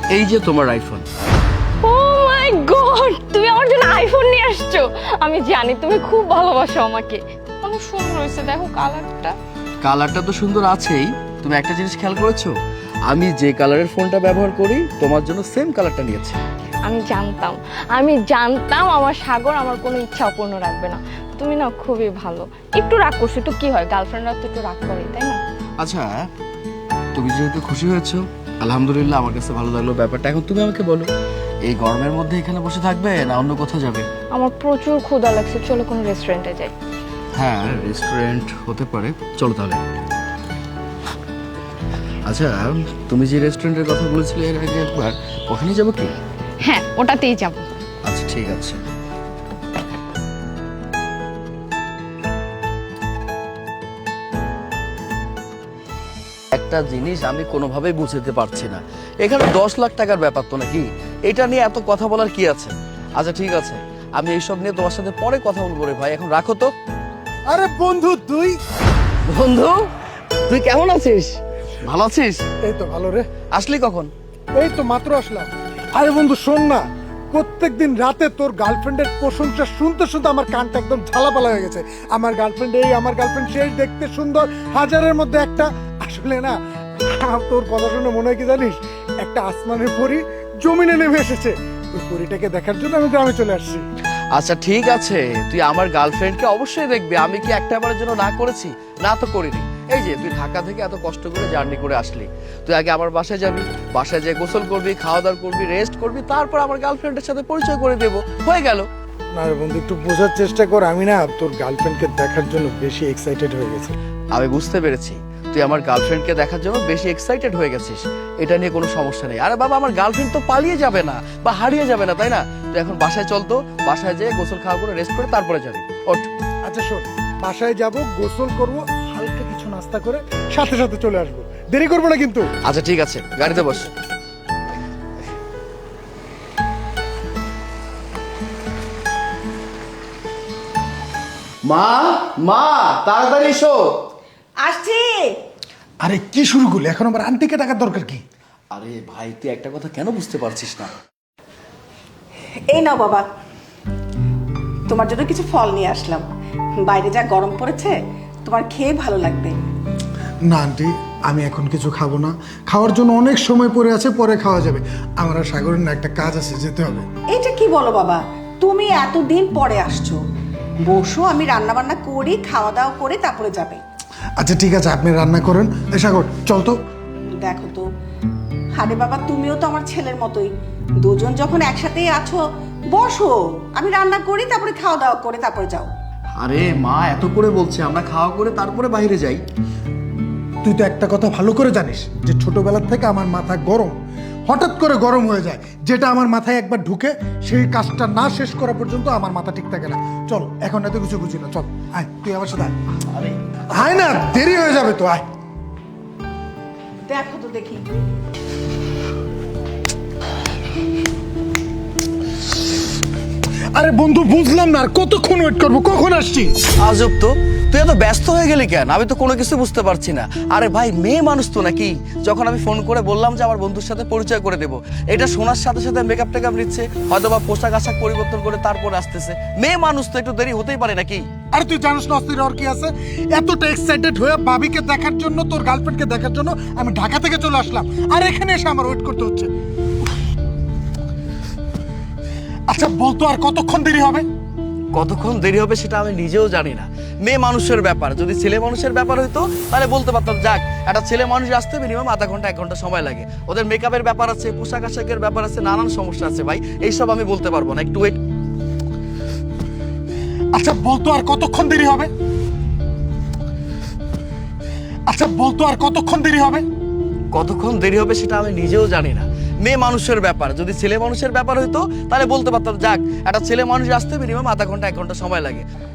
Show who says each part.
Speaker 1: এই যে তোমার আইফোন।
Speaker 2: ও মাই গড, তুমি আমার জন্য আইফোন নিয়ে আসছো। আমি জানি তুমি খুব ভালোবাসো আমাকে। অনেক সুন্দর হয়েছে, দেখো কালারটা।
Speaker 1: কালারটা তো সুন্দর আছেই, তুমি একটা জিনিস খেয়াল করেছো? আমি যে কালারের ফোনটা ব্যবহার করি তোমার জন্য সেম কালারটা নিয়েছি।
Speaker 2: আমি জানতাম আমার সাগর আমার কোনো ইচ্ছা অপূর্ণ রাখবে না। তুমি না খুবই ভালো। একটু রাগ করছো তো কি হয়, গার্লফ্রেন্ডরা তো একটু রাগ করে, তাই না?
Speaker 1: আচ্ছা, তুমি যেহেতু খুশি হয়েছো, আলহামদুলিল্লাহ, আমার কাছে ভালো লাগলো ব্যাপারটা। এখন তুমি আমাকে বলো, এই গরমের মধ্যে এখানে বসে থাকবে না অন্য কোথাও যাবে?
Speaker 2: আমার প্রচুর ক্ষুধা লাগছে, চলো কোনো রেস্টুরেন্টে যাই।
Speaker 1: হ্যাঁ, রেস্টুরেন্ট হতে পারে, চলো তাহলে। আচ্ছা, তুমি যে রেস্টুরেন্টের কথা বলেছিলে এর আগে একবার, ওখানে যাবো কি?
Speaker 2: হ্যাঁ, ওটাতেই যাবো।
Speaker 1: আচ্ছা ঠিক আছে। একটা জিনিস আমি কোনোভাবেই বুঝতে পারছি না, এখানে 10 লাখ টাকার ব্যাপার তো নাকি, এটা নিয়ে এত কথা বলার কি আছে? আচ্ছা ঠিক আছে, আমি এইসব নিয়ে তোমার সাথে পরে কথা বলবো রে ভাই, এখন রাখো তো।
Speaker 3: আরে বন্ধু তুই,
Speaker 1: বন্ধু, তুই কেমন আছিস? ভালো আছিস?
Speaker 3: এই তো ভালো রে।
Speaker 1: আসলি কখন?
Speaker 3: এই তো মাত্র আসলাম। আরে বন্ধু শোন না, প্রত্যেকদিন রাতে তোর গার্লফ্রেন্ডের প্রশংসা শুনতে শুনতে আমার কানটা একদম ঝালাপালা হয়ে গেছে। আমার গার্লফ্রেন্ড এই, আমার গার্লফ্রেন্ড সেই, দেখতে সুন্দর, হাজারের মধ্যে একটা। আসলে না, তোর কথা শুনে মনে হয় কি জানিস, একটা আসমানের পরী জমিনে নেমে এসেছে। ওই পরীটাকে দেখার জন্য আমি গ্রামে চলে আসছি।
Speaker 1: আচ্ছা ঠিক আছে, তুই আমার গার্লফ্রেন্ডকে অবশ্যই দেখবি। আমি কি একটা বারের জন্য না করেছি? না তো করিনি। এই যে তুই ঢাকা থেকে এত কষ্ট করে জার্নি করে আসলি, তুই আগে আমার বাসায় যাবি, বাসায় যেয়ে গোসল করবি, খাওয়া দাওয়া করবি, রেস্ট করবি, তারপর আমার গার্লফ্রেন্ডের সাথে পরিচয় করে দেবো, হয়ে গেল।
Speaker 3: না রে বন্ধু, একটু বোঝার চেষ্টা কর। আমি না তোর গার্লফ্রেন্ডকে দেখার জন্য বেশি এক্সাইটেড হয়ে গেছি।
Speaker 1: আমি বুঝতে পেরেছি, তুই আমার গার্লফ্রেন্ডকে দেখার জন্য বেশি এক্সাইটেড হয়ে গেছিস, এটা নিয়ে কোনো সমস্যা নেই। আরে বাবা, আমার গার্লফ্রেন্ড তো পালিয়ে যাবে না বা হারিয়ে যাবে না, তাই না? তুই এখন বাসায় চল তো, বাসায় যেয়ে গোসল খাওয়া করে রেস্ট করে তারপরে যাবি। ওঠ।
Speaker 3: আচ্ছা শোন, বাসায় যাব, গোসল করব, হালকা কিছু নাস্তা করে সাথে সাথে চলে আসবো, দেরি করবো না কিন্তু।
Speaker 1: আচ্ছা ঠিক আছে, গাড়িতে বস। মা, মা, তাড়াতাড়ি এসো।
Speaker 4: আসছি।
Speaker 3: আরে কি শুরু করলি এখন? আবার আন্টিকে টাকার দরকার কি?
Speaker 1: আরে ভাই, তুই একটা কথা কেন বুঝতে পারছিস না?
Speaker 4: এই নাও বাবা, তোমার জন্য কিছু ফল নিয়ে আসলাম। বাইরে যা গরম পড়েছে, তোমার খেয়ে ভালো লাগবে।
Speaker 3: না আন্টি, আমি এখন কিছু খাবো না। খাওয়ার জন্য অনেক সময় পড়ে আছে, পরে খাওয়া যাবে। আমার আর সাগরের না একটা কাজ আছে, যেতে হবে।
Speaker 4: এটা কি বলো বাবা, তুমি এতদিন পরে আসছো, বসো, আমি রান্না বান্না করি, খাওয়া দাওয়া করে তারপরে যাবে।
Speaker 3: আচ্ছা ঠিক আছে, আপনি রান্না করেন। এ সাগর চল তো।
Speaker 4: দেখো তো, আরে বাবা, তুমিও তো আমার ছেলের মতোই, দুজন যখন একসাথেই আছো, বসো, আমি রান্না করি, তারপরে খাওয়া দাওয়া করে তারপরে যাও।
Speaker 1: আরে মা এত করে বলছে, আমরা খাওয়া করে তারপরে বাইরে যাই।
Speaker 3: তুই তো একটা কথা ভালো করে জানিস যে ছোটবেলার থেকে আমার মাথা গরম, হঠাৎ করে গরম হয়ে যায়। যেটা আমার মাথায় একবার ঢুকে, সেই কাজটা না শেষ করা পর্যন্ত আমার মাথা ঠিক থাকে না। চল, এখন এত কিছু বুঝি না, চল আয়, তুই আমার সাথে আয়।
Speaker 1: আরে
Speaker 3: আয় না, দেরি হয়ে যাবে তো, আয়।
Speaker 4: দেখো তো দেখি।
Speaker 3: আরে বন্ধু, বুঝলাম না, আর কতক্ষণ ওয়েট করবো? কখন আসছি?
Speaker 1: আজব তো, তুই এত ব্যস্ত হয়ে গেলি কেন? আমি তো কোনো কিছু বুঝতে পারছি না। আরে ভাই, মেয়ে মানুষ তো নাকি? যখন আমি ফোন করে বললাম যে আমার বন্ধুর সাথে পরিচয় করে দেবো, এটা শোনার সাথে সাথে মেকআপ টেকআপ নিচ্ছে, হয়তো বা পোশাক আশাক পরিবর্তন করে তারপর আসতেছে। মেয়ে মানুষ তো, একটু দেরি হতেই পারে নাকি?
Speaker 3: আরে তুই জানিস না অস্থির আর কি আছে? এতটা এক্সাইটেড হয়ে ভাবিকে দেখার জন্য, তোর গার্লফ্রেন্ডকে দেখার জন্য আমি ঢাকা থেকে চলে আসলাম, আর এখানে এসে আমার ওয়েট করতে হচ্ছে। আচ্ছা বলতো, আর কতক্ষণ দেরি হবে?
Speaker 1: কতক্ষণ দেরি হবে সেটা আমি নিজেও জানি না। মেয়ে মানুষের ব্যাপার, যদি ছেলে মানুষের ব্যাপার হইতো তাহলে বলতে পারতাম, যাক, একটা ছেলে মানুষ আসতে মিনিমাম আধা ঘন্টা 1 ঘন্টা সময় লাগে। ওদের মেকআপের ব্যাপার আছে, পোশাক আশাকের ব্যাপার আছে, নানান সমস্যা আছে ভাই, এইসব আমি বলতে পারবো না, একটু ওয়েট।
Speaker 3: আচ্ছা বলতো, আর কতক্ষণ দেরি হবে? আচ্ছা বলতো, আর কতক্ষণ দেরি হবে?
Speaker 1: কতক্ষণ দেরি হবে সেটা আমি নিজেও জানি না। মেয়ে মানুষের ব্যাপার, যদি ছেলে মানুষের ব্যাপার হইতো তাহলে বলতে পারতাম, যাক, একটা ছেলে মানুষ আসতে মিনিমাম আধা ঘন্টা 1 ঘন্টা সময় লাগে।